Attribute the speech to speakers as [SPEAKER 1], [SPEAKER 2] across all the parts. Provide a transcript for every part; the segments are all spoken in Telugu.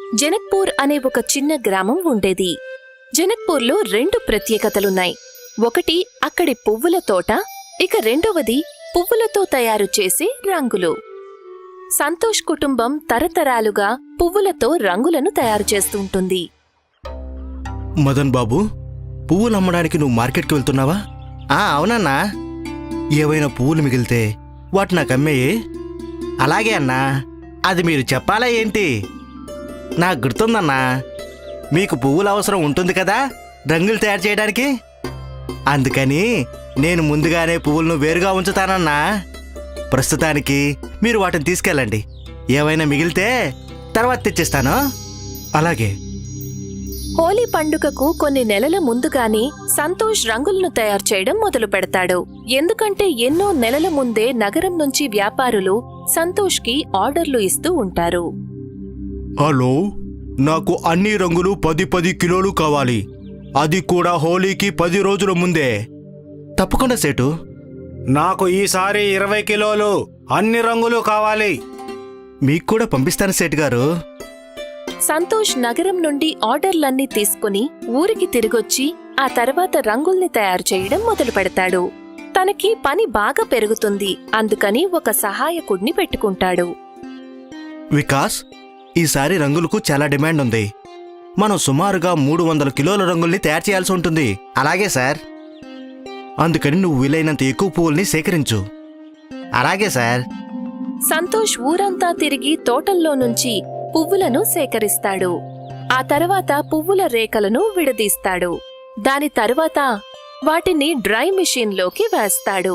[SPEAKER 1] జనక్పూర్ అనే ఒక చిన్న గ్రామం ఉండేది. జనక్పూర్లో 2 ప్రత్యేకతలున్నాయి. ఒకటి అక్కడి పువ్వుల తోట, ఇక రెండవది పువ్వులతో తయారు చేసే రంగులు. సంతోష్ కుటుంబం తరతరాలుగా పువ్వులతో రంగులను తయారు చేస్తుంటుంది.
[SPEAKER 2] మదన్ బాబు, పువ్వులు అమ్మడానికి నువ్వు మార్కెట్కి వెళ్తున్నావా? అవునన్నా. ఏవైనా పువ్వులు మిగిలితే వాటి నాకు అమ్మేయే. అలాగే అన్నా. అది మీరు చెప్పాలా ఏంటి? నాకు గుర్తుందన్నా, మీకు పువ్వుల అవసరం ఉంటుంది కదా రంగులు తయారు చేయడానికి. అందుకని నేను ముందుగానే పువ్వులను వేరుగా ఉంచుతానన్నా. ప్రస్తుతానికి మీరు వాటిని తీసుకెళ్ళండి. ఏవైనా మిగిలితే తర్వాత తెచ్చిస్తాను. అలాగే.
[SPEAKER 1] హోలీ పండుగకు కొన్ని నెలల ముందుగానే సంతోష్ రంగులను తయారు చేయడం మొదలు పెడతాడు. ఎందుకంటే ఎన్నో నెలల ముందే నగరం నుంచి వ్యాపారులు సంతోష్కి ఆర్డర్లు ఇస్తూ ఉంటారు.
[SPEAKER 2] హలో, నాకు అన్ని రంగులు 10 కిలోలు కావాలి. అది కూడా హోలీకి 10 రోజుల ముందే. తప్పకుండా సేటు.
[SPEAKER 3] నాకు ఈసారి 20 కిలోలు అన్ని రంగులు కావాలి.
[SPEAKER 2] మీకు కూడా పంపిస్తాను సేటు గారు.
[SPEAKER 1] సంతోష్ నగరం నుండి ఆర్డర్లన్నీ తీసుకుని ఊరికి తిరిగొచ్చి ఆ తర్వాత రంగుల్ని తయారు చేయడం మొదలు పెడతాడు. తనకి పని బాగా పెరుగుతుంది. అందుకని ఒక సహాయకుడిని పెట్టుకుంటాడు.
[SPEAKER 2] వికాస్, ఈసారి రంగులకు చాలా డిమాండ్ ఉంది. మనం సుమారుగా 300 కిలోల రంగుల్ని తయారు చేయాల్సి ఉంటుంది. అలాగే సార్. అందుకని నువ్వు వీలైనంత ఎక్కువ పువ్వుల్ని సేకరించు. అలాగే సార్.
[SPEAKER 1] సంతోష్ ఊరంతా తిరిగి తోటల్లో నుంచి పువ్వులను సేకరిస్తాడు. ఆ తర్వాత పువ్వుల రేఖలను విడదీస్తాడు. దాని తరువాత వాటిని డ్రై మిషన్లోకి వేస్తాడు.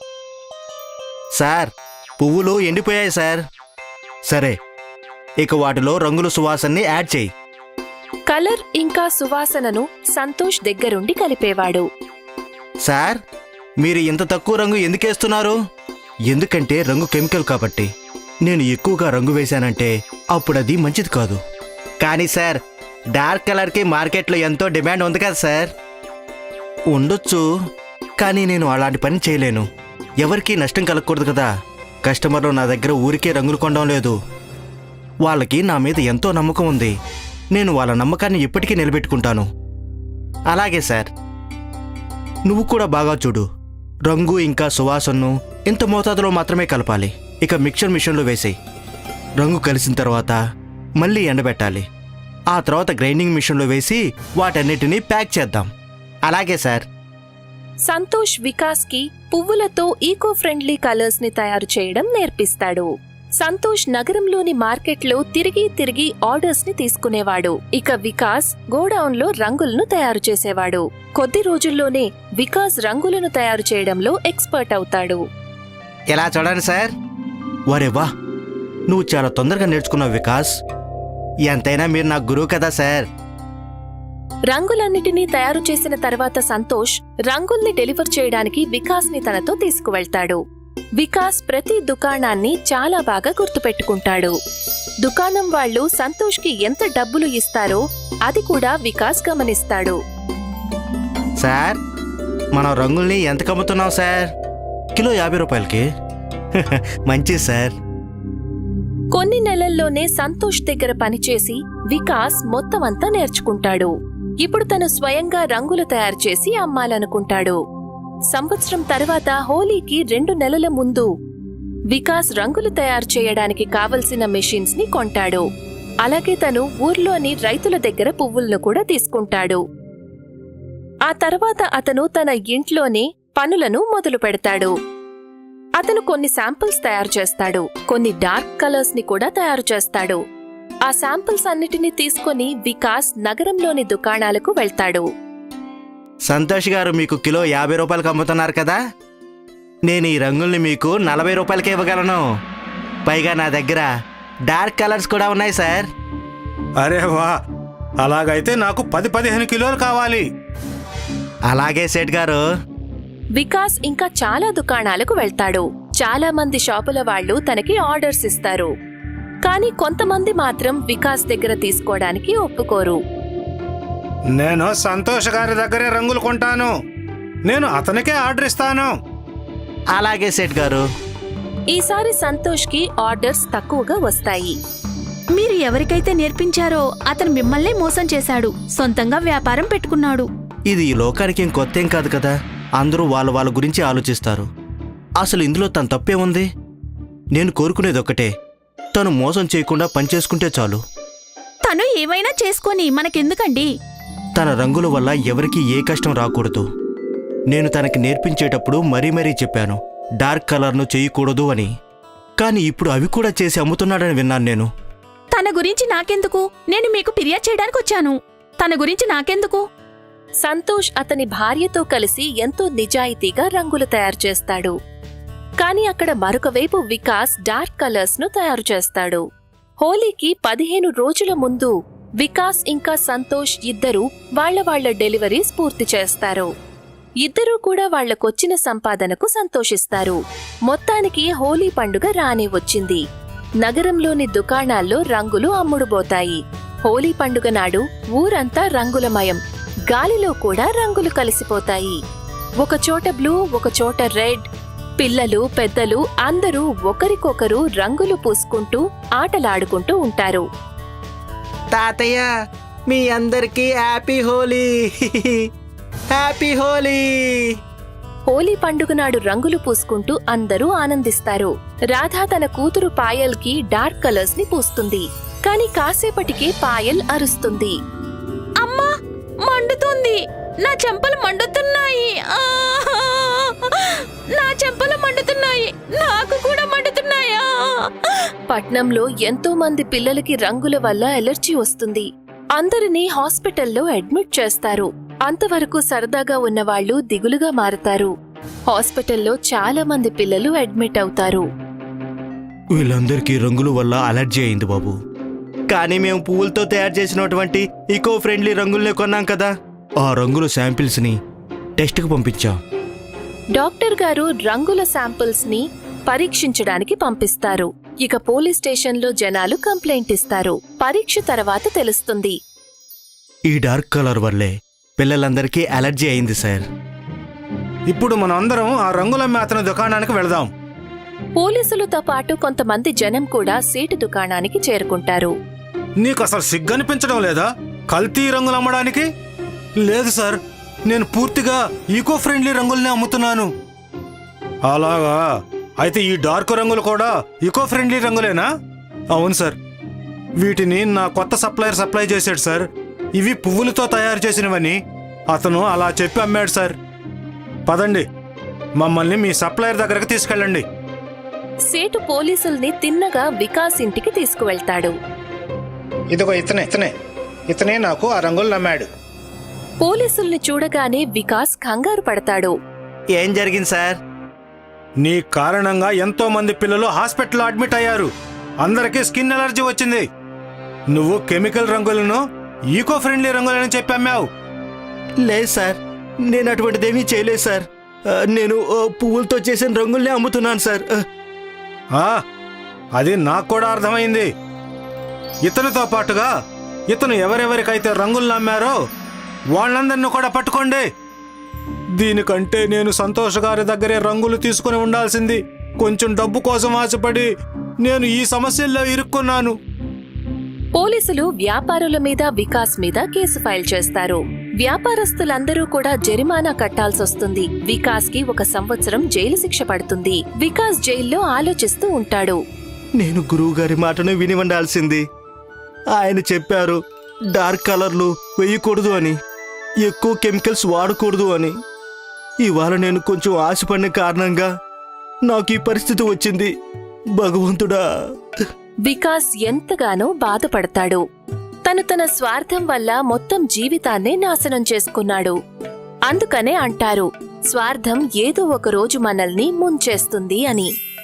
[SPEAKER 2] సార్, పువ్వులు ఎండిపోయాయి సార్. సరే, ఇక వాటిలో రంగుల సువాసనని యాడ్ చేయి.
[SPEAKER 1] కలర్ ఇంకా సువాసనను సంతోష్ దగ్గరుండి కలిపేవాడు.
[SPEAKER 2] సార్, మీరు ఇంత తక్కువ రంగు ఎందుకేస్తున్నారు? ఎందుకంటే రంగు కెమికల్ కాబట్టి. నేను ఎక్కువగా రంగు వేశానంటే అప్పుడది మంచిది కాదు. కానీ సార్, డార్క్ కలర్కి మార్కెట్లో ఎంతో డిమాండ్ ఉంది కదా సార్. ఉండొచ్చు, కానీ నేను అలాంటి పని చేయలేను. ఎవరికీ నష్టం కలగకూడదు కదా. కస్టమర్లు నా దగ్గర ఊరికే రంగులు కొనడం లేదు. వాళ్ళకి నా మీద ఎంతో నమ్మకం ఉంది. నేను వాళ్ళ నమ్మకాన్ని ఎప్పటికీ నిలబెట్టుకుంటాను. అలాగే సార్. నువ్వు కూడా బాగా చూడు. రంగు ఇంకా సువాసనను ఇంత మోతాదులో మాత్రమే కలపాలి. ఇక మిక్చర్ మిషన్లో వేసేయి. రంగు కలిసిన తర్వాత మళ్ళీ ఎండబెట్టాలి. ఆ తర్వాత గ్రైండింగ్ మిషన్లో వేసి వాటన్నిటినీ ప్యాక్ చేద్దాం. అలాగే సార్.
[SPEAKER 1] సంతోష్ వికాస్కి పువ్వులతో ఈకో ఫ్రెండ్లీ కలర్స్ ని తయారు చేయడం నేర్పిస్తాడు. సంతోష్ నగరంలోని మార్కెట్లో తిరిగి ఆర్డర్స్ ని తీసుకునేవాడు. ఇక వికాస్ గోడౌన్లో రంగులను తయారు చేసేవాడు. కొద్ది రోజుల్లోనే వికాస్ రంగులను తయారు చేయడంలో ఎక్స్పర్ట్ అవుతాడు.
[SPEAKER 2] ఎలా చూడండి సార్. వరే వా, నువ్వు చాలా తొందరగా నేర్చుకున్నావు వికాస్. ఎంతైనా మీరు నా గురువు కదా సార్.
[SPEAKER 1] రంగులన్నిటినీ తయారు చేసిన తర్వాత సంతోష్ రంగుల్ని డెలివర్ చేయడానికి వికాస్ ని తనతో తీసుకువెళ్తాడు. వికాస్ ప్రతి దుకాణాన్ని చాలా బాగా గుర్తుపెట్టుకుంటాడు. దుకాణం వాళ్ళు సంతోష్ కి ఎంత డబ్బులు ఇస్తారో అది కూడా వికాస్ గమనిస్తాడు.
[SPEAKER 2] సార్, మనం రంగుల్ని ఎంత కమ్ముతున్నాం సార్? కిలో 50 రూపాయలకి. మంచిది సార్.
[SPEAKER 1] కొన్ని నెలల్లోనే సంతోష్ దగ్గర పనిచేసి వికాస్ మొత్తం అంతా నేర్చుకుంటాడు. ఇప్పుడు తను స్వయంగా రంగులు తయారు చేసి అమ్మాలనుకుంటాడు. సంవత్సరం తర్వాత హోలీకి 2 నెలల ముందు వికాస్ రంగులు తయారు చేయడానికి కావలసిన మెషిన్స్ ని కొంటాడు. అలాగే తను ఊర్లోని రైతుల దగ్గర పువ్వులను కూడా తీసుకుంటాడు. ఆ తర్వాత అతను తన ఇంట్లోనే పనులను మొదలు పెడతాడు. అతను కొన్ని శాంపిల్స్ తయారు చేస్తాడు. కొన్ని డార్క్ కలర్స్ ని కూడా తయారు చేస్తాడు. ఆ శాంపిల్స్ అన్నిటినీ తీసుకుని వికాస్ నగరంలోని దుకాణాలకు వెళ్తాడు.
[SPEAKER 2] సంతోష్ గారు, మీకు కిలో 50 రూపాయలకి అమ్ముతున్నారు కదా. నేను ఈ రంగుల్ని మీకు 40 రూపాయలకే ఇవ్వగలను. పైగా నా దగ్గర డార్క్ కలర్స్ కూడా ఉన్నాయి సార్.
[SPEAKER 3] అరే వా, అలాగైతే నాకు 10-15 కిలోలు కావాలి.
[SPEAKER 2] అలాగే సేట్ గారు.
[SPEAKER 1] వికాస్ ఇంకా చాలా దుకాణాలకు వెళ్తాడు. చాలా మంది షాపుల వాళ్ళు తనకి ఆర్డర్స్ ఇస్తారు. కానీ కొంతమంది మాత్రం వికాస్ దగ్గర తీసుకోవడానికి ఒప్పుకోరు.
[SPEAKER 3] నేను సంతోష్ గారి దగ్గరే రంగులు కొంటాను. నేను అతనికే ఆర్డర్ ఇస్తాను.
[SPEAKER 2] అలాగే సేట్ గారు.
[SPEAKER 1] ఈసారి సంతోష్కి ఆర్డర్స్ తక్కువగా వస్తాయి.
[SPEAKER 4] మీరు ఎవరికైతే నేర్పించారో అతను మిమ్మల్నే మోసం చేశాడు, సొంతంగా వ్యాపారం పెట్టుకున్నాడు.
[SPEAKER 2] ఇది ఈ లోకానికి ఏం కొత్తేం కాదు కదా. అందరూ వాళ్ళ గురించి ఆలోచిస్తారు. అసలు ఇందులో తన తప్పే ఉంది? నేను కోరుకునేది ఒక్కటే, తను మోసం చేయకుండా పనిచేసుకుంటే చాలు.
[SPEAKER 4] తను ఏమైనా చేసుకొని మనకెందుకండి?
[SPEAKER 2] తన రంగుల వల్ల ఎవరికీ ఏ కష్టం రాకూడదు. నేను తనకి నేర్పించేటప్పుడు మరీ చెప్పాను డార్క్ కలర్ను చేయకూడదు అని. కానీ ఇప్పుడు అవి కూడా చేసి అమ్ముతున్నాడని విన్నాను నేను.
[SPEAKER 4] తన గురించి నాకెందుకు? నేను మీకు ఫిర్యాదు చేయడానికి వచ్చాను. తన గురించి నాకెందుకు?
[SPEAKER 1] సంతోష్ అతని భార్యతో కలిసి ఎంతో నిజాయితీగా రంగులు తయారు చేస్తాడు. కాని అక్కడ మరొక వైపు వికాస్ డార్క్ కలర్స్ ను తయారు చేస్తాడు. హోలీకి 15 రోజుల ముందు వికాస్ ఇంకా సంతోష్ ఇద్దరూ వాళ్ళ డెలివరీస్ పూర్తి చేస్తారు. ఇద్దరూ కూడా వాళ్లకొచ్చిన సంపాదనకు సంతోషిస్తారు. మొత్తానికి హోలీ పండుగ రానే వచ్చింది. నగరంలోని దుకాణాల్లో రంగులు అమ్ముడుబోతాయి. హోలీ పండుగ నాడు ఊరంతా రంగులమయం. గాలిలో కూడా రంగులు కలిసిపోతాయి. ఒకచోట బ్లూ, ఒకచోట రెడ్. పిల్లలు పెద్దలు అందరూ ఒకరికొకరు రంగులు పూసుకుంటూ ఆటలాడుకుంటూ ఉంటారు.
[SPEAKER 2] తాతయ్య, మీ అందరికీ హ్యాపీ హోలీ! హ్యాపీ హోలీ!
[SPEAKER 1] హోలీ పండుగ నాడు రంగులు పూసుకుంటూ అందరూ ఆనందిస్తారు. రాధా తన కూతురు పాయల్కి డార్క్ కలర్స్ ని పూస్తుంది. కాని కాసేపటికే పాయల్ అరుస్తుంది.
[SPEAKER 4] అమ్మా, మండుతుంది! నా చెంపలు మండుతున్నాయి! నా చెంపలు మండుతున్నాయి! నాకు కూడా మండుతున్నాయా?
[SPEAKER 1] పట్నంలో ఎంతో మంది పిల్లలకి రంగుల వల్ల ఎలర్జీ వస్తుంది. అందరినీ హాస్పిటల్లో అడ్మిట్ చేస్తారు. అంతవరకు సరదాగా ఉన్నవాళ్లు దిగులుగా మారతారు. హాస్పిటల్లో చాలా మంది పిల్లలు అడ్మిట్ అవుతారు.
[SPEAKER 2] వీళ్ళందరికీ రంగుల వల్ల అలర్జీ అయింది బాబు. కానీ మేము పువ్వులతో తయారు చేసినటువంటి ఈకో ఫ్రెండ్లీ రంగుల్నే కొన్నాం కదా. ఆ రంగుల శాంపిల్స్ ని టెస్ట్కి పంపించాం.
[SPEAKER 1] డాక్టర్ గారు రంగుల శాంపిల్స్ ని పరీక్షించడానికి పంపిస్తారు. ఇక పోలీస్ స్టేషన్లో జనాలు కంప్లైంట్ ఇస్తారు. పరీక్ష తర్వాత తెలుస్తుంది.
[SPEAKER 2] ఈ డార్క్ కలర్ వల్లే పిల్లలందరికీ అలర్జీ అయింది సార్.
[SPEAKER 3] ఇప్పుడు మనం అందరం ఆ రంగులమ్మే అతని దుకాణానికి వెళదాం.
[SPEAKER 1] పోలీసులతో పాటు కొంతమంది జనం కూడా సీటు దుకాణానికి చేరుకుంటారు.
[SPEAKER 3] నీకు అసలు సిగ్గనిపించడం లేదా కల్తీ రంగులు అమ్మడానికి? లేదు సార్, నేను పూర్తిగా ఈకో ఫ్రెండ్లీ రంగుల్ని అమ్ముతున్నాను. అలాగా? అయితే ఈ డార్క్ రంగులు కూడా ఈకో ఫ్రెండ్లీ రంగులేనా? అవును సార్, వీటిని నా కొత్త సప్లయర్ సప్లై చేశాడు సార్. ఇవి పువ్వులతో తయారు చేసినవని అతను అలా చెప్పి అమ్మాడు సార్. పదండి, మమ్మల్ని మీ సప్లయర్ దగ్గరకు తీసుకెళ్ళండి.
[SPEAKER 1] సేటు పోలీసుల్ని తిన్నగా వికాస్ ఇంటికి తీసుకువెళ్తాడు.
[SPEAKER 3] ఇదిగో ఇతనే నాకు ఆ రంగులు నమ్మాడు.
[SPEAKER 1] పోలీసుల్ని చూడగానే వికాస్ కంగారు పడతాడు.
[SPEAKER 2] ఏం జరిగింది సార్?
[SPEAKER 3] నీ కారణంగా ఎంతో మంది పిల్లలు హాస్పిటల్లో అడ్మిట్ అయ్యారు. అందరికీ స్కిన్ ఎలర్జీ వచ్చింది. నువ్వు కెమికల్ రంగులను ఈకో ఫ్రెండ్లీ రంగులని చెప్పి అమ్మావు.
[SPEAKER 2] లేదు సార్, నేను అటువంటిదేమీ చేయలేదు సార్. నేను పువ్వులతో చేసిన రంగుల్నే అమ్ముతున్నాను సార్.
[SPEAKER 3] అది నాకు కూడా అర్థమైంది. ఇతనితో పాటుగా ఇతను ఎవరెవరికైతే రంగులు నమ్మారో వాళ్ళందరినీ కూడా పట్టుకోండి. దీనికంటే నేను సంతోష్ గారి దగ్గరే రంగులు తీసుకుని ఉండాల్సింది. కొంచెం డబ్బు కోసం ఆశపడి నేను ఈ సమస్యల్లో ఇరుక్కున్నాను.
[SPEAKER 1] పోలీసులు వ్యాపారుల మీద వికాస్ మీద కేసు ఫైల్ చేస్తారు. వ్యాపారస్తులందరూ కూడా జరిమానా కట్టాల్సొస్తుంది. వికాస్ కి 1 సంవత్సరం జైలు శిక్ష పడుతుంది. వికాస్ జైల్లో ఆలోచిస్తూ ఉంటాడు.
[SPEAKER 2] నేను గురువుగారి మాటను విని ఉండాల్సింది. ఆయన చెప్పారు డార్క్ కలర్లు వేయకూడదు అని, ఎక్కువ కెమికల్స్ వాడకూడదు అని. ఇవాళ నేను కొంచెం ఆశపడిన కారణంగా నాకు ఈ పరిస్థితి వచ్చింది. భగవంతుడా!
[SPEAKER 1] వికాస్ ఎంతగానో బాధపడతాడు. తన స్వార్థం వల్ల మొత్తం జీవితాన్నే నాశనం చేసుకున్నాడు. అందుకనే అంటారు, స్వార్థం ఏదో ఒక రోజు మనల్ని ముంచేస్తుంది అని.